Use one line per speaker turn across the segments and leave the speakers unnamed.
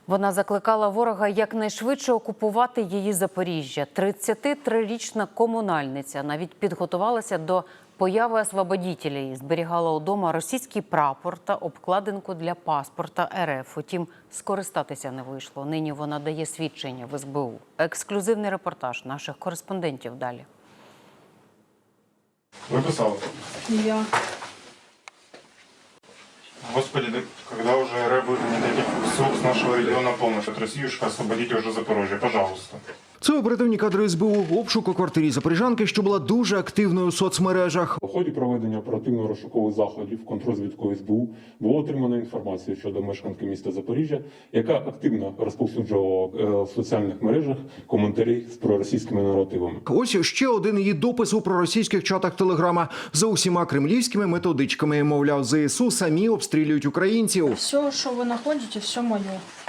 Вона закликала ворога якнайшвидше окупувати її Запоріжжя. 33-річна комунальниця навіть підготувалася до появи освободітелів. Зберігала удома російський прапор та обкладинку для паспорта РФ. Утім, скористатися не вийшло. Нині вона дає свідчення в СБУ. Ексклюзивний репортаж наших кореспондентів далі.
Вы писали?
Я.
Господи, да когда уже РФ выгонит этих ссылок с нашего региона полностью? От Россиюшка освободите уже Запорожье, пожалуйста.
Це оперативні кадри СБУ. Обшук у квартирі запоріжанки, що була дуже активною у соцмережах.
У ході проведення оперативно-розшукових заходів контррозвідкою СБУ було отримано інформацію щодо мешканки міста Запоріжжя, яка активно розповсюджувала в соціальних мережах коментарі з проросійськими наративами.
Ось ще один її допис у проросійських чатах Телеграма. За усіма кремлівськими методичками, мовляв, ЗСУ самі обстрілюють українців.
Все, що ви знаходите, все моє.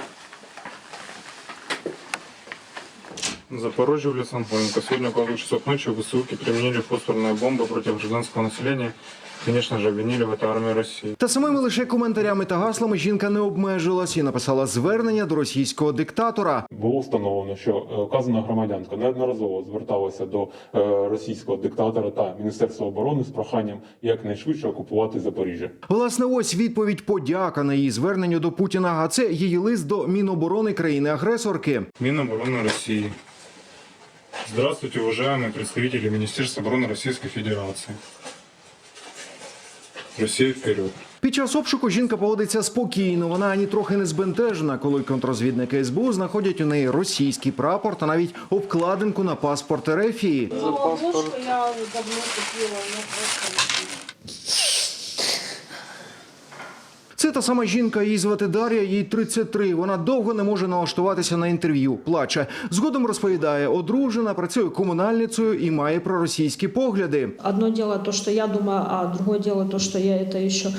Запорожье, улица Анфоненко. Сегодня около 2 часов ночи ВСУки применили фосфорные бомбы против гражданского населения. Конечно же, обвинили в это армию России.
Та самими лише коментарями та гаслами жінка не обмежилась і написала звернення до російського диктатора.
Було встановлено, що вказана громадянка неодноразово зверталася до російського диктатора та Міністерства оборони з проханням якнайшвидше окупувати Запоріжжя.
Власне, ось відповідь подяка на її зверненню до Путіна, а це її лист до Міноборони країни-агресорки.
Минобороны России. Здравствуйте, уважаемые представители Министерства обороны Российской Федерации. Россия вперед.
Під час обшуку жінка поводиться спокійно, вона ані трохи не збентежена, коли контррозвідники СБУ знаходять у неї російський прапор та навіть обкладинку на паспорт РФ.
Ловушку я давно купила, но просто...
Це та сама жінка, її звати Дар'я, їй 33. Вона довго не може налаштуватися на інтерв'ю, плаче. Згодом розповідає, одружена, працює комунальницею і має проросійські погляди.
Одно дело то, что я думаю, а другое дело то, что я это еще,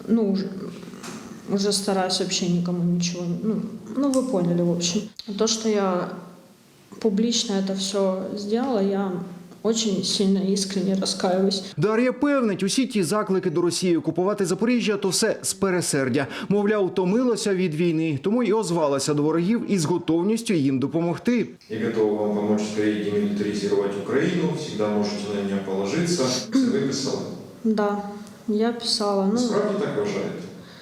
уже стараюсь вообще никому ничего, вы поняли, в общем. То, что я публично это все сделала, я очень сильно искренне раскаиваюсь.
Дар'я певнить, усі ті заклики до Росії окупувати Запоріжжя – то все з пересердя. Мовляв, втомилася від війни, тому й озвалася до ворогів із готовністю їм допомогти.
Я готова вам помочь скорее демилитаризировать Украину, всегда можете на меня положиться. Вы писали?
Да, я писала.
Справді так вважаєте?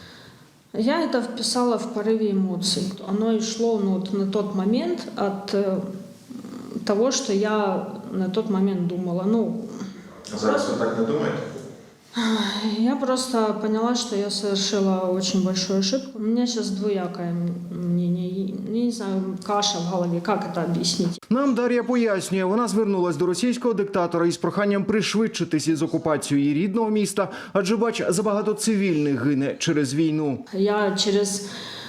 Я это вписала в порыве эмоций. Оно и шло на тот момент от того, что я на тот момент думала.
А зараз ви так не думаєте?
Я просто поняла, что я совершила очень большую ошибку. У меня сейчас двоякое мнение. Я не знаю, каша в голове, как это объяснить.
Нам Дар'я пояснює, вона звернулась до російського диктатора із проханням пришвидшитись із окупацією її рідного міста, адже, бач, забагато цивільних гине через війну.
Я через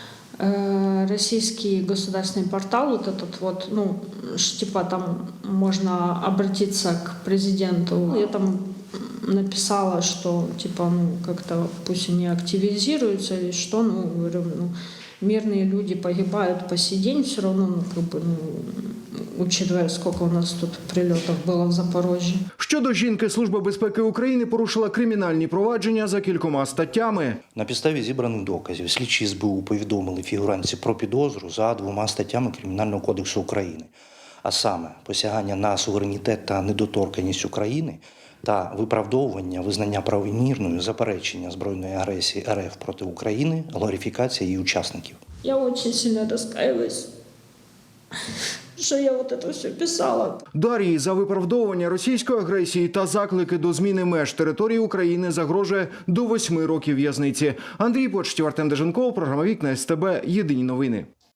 российский государственный портал, вот этот типа там можно обратиться к президенту. Я там написала, что типа как-то пусть они активизируются или что, говорю, мирные люди погибают по сей день, все равно, учитывая, сколько у нас тут прильотів було в Запорожжі.
Щодо жінки, Служба безпеки України порушила кримінальні провадження за кількома статтями.
На підставі зібраних доказів слідчі СБУ повідомили фігурантці про підозру за 2 статтями Кримінального кодексу України. А саме, посягання на суверенітет та недоторканність України та виправдовування визнання правомірною заперечення збройної агресії РФ проти України, глорифікація її учасників.
Я дуже сильно розкаюсь, що я це все писала.
Дар'ї за виправдовування російської агресії та заклики до зміни меж території України загрожує до 8 років в'язниці. Андрій Почтів, Артем Деженков, програма «Вікна СТБ», єдині новини.